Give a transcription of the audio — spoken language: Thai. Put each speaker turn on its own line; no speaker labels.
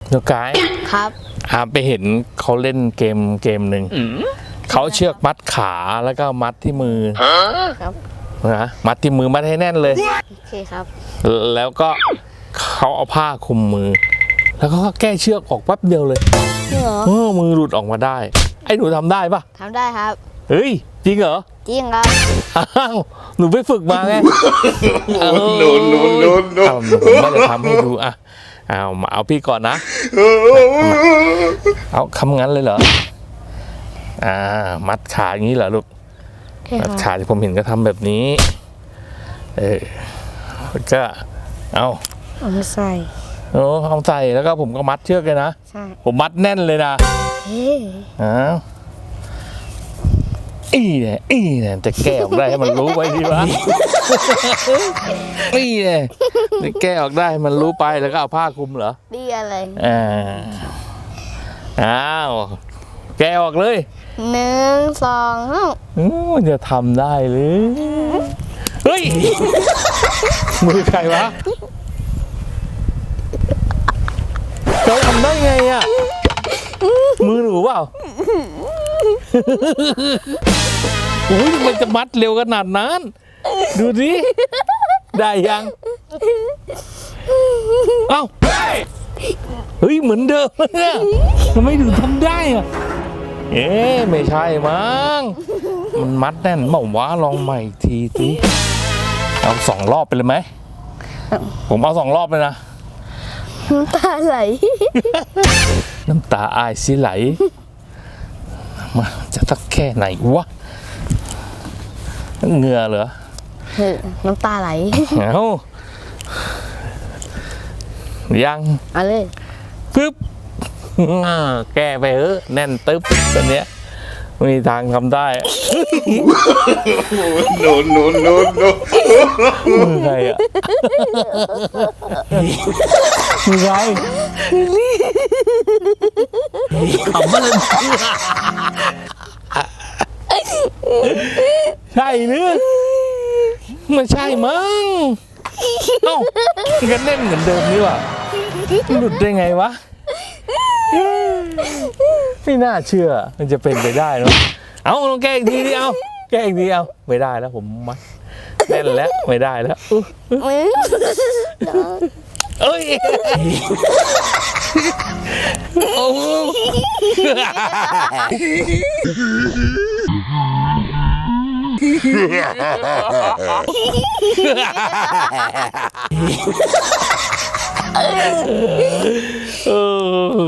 เดี๋ยวกาย
ครับ
ไปเห็นเขาเล่นเกมหนึ่งเขาเชือกมัดขาแล้วก็มัดที่มือ
ครับ
นะมัดที่มือมัดให้แน่นเลย
โอเคครับ
แล้วก็เขาเอาผ้าคลุมมือแล้วก็แก้เชือกออกแป๊บเดียวเลยมือหลุดออกมาได้ไอ้หนูทำได้ปะ
ทำได้ครับ
เฮ้ยจริงเหรอ
จริงครับ
อ้าวหนูไปฝึกมาไง
โน
ผมไม่ได้ทำให้ดูอ่ะเอาพี่ก่อนนะเอาทำงั้นเลยเหรอมัดขาอย่างนี้เหรอลูกมัดขาที่ผมเห็นก็ทำแบบนี้ก็เอา
ใส่
เอาใส่แล้วก็ผมก็มัดเชือกเลยนะ
ใช่
ผมมัดแน่นเลยนะเนี่ยจะแก้ออกได้ให้มันรู้ไปดีวะเนี่ยจะแก้ออกได้ให้มันรู้ไปแล้วก็เอาผ้าคลุมเหรอ
ดีอะไร
แก้ออกเลย
1 2
มันจะทำได้หรือเฮ้ยมือใครวะเขาทำได้ไงอ่ะมือหนูเปล่าโอ้ยมันจะมัดเร็วขนาดนั้นดูดิได้ยังเอ้าเฮ้ยเหมือนเดิมเนี่ยทำไมถึงทำได้อ่ะไม่ใช่มั้งมันมัดแน่นบอกว่าลองใหม่ทีสิเอา2 รอบไปเลยไหมผมเอา2 รอบเลยนะ
น้ำตาไหล
น้ำตาอายสิไหลมาจะตักแค่ไหนวะเหงื่อเหรอ
น้ำตาไหล
ยัง
เอาเลย
ปึ๊บแก้ไปแน่นตึ๊บตัวเนี้ยไม่มีทางทำได้
โน
มือใครอ่ะมือใครขำอะไรใช่เนื้อไม่ใช่มั้งเอ้ากันเล่นเหมือนเดิมนี่ว่ะหลุดได้ไงวะไม่น่าเชื่อมันจะเป็นไปได้เนาะเอาลองแก้อีกทีดิเอาแก้อีกทีเอาไม่ได้แล้วผมมัดแน่นแล้วไม่ได้แล้วเอ้ยโอ้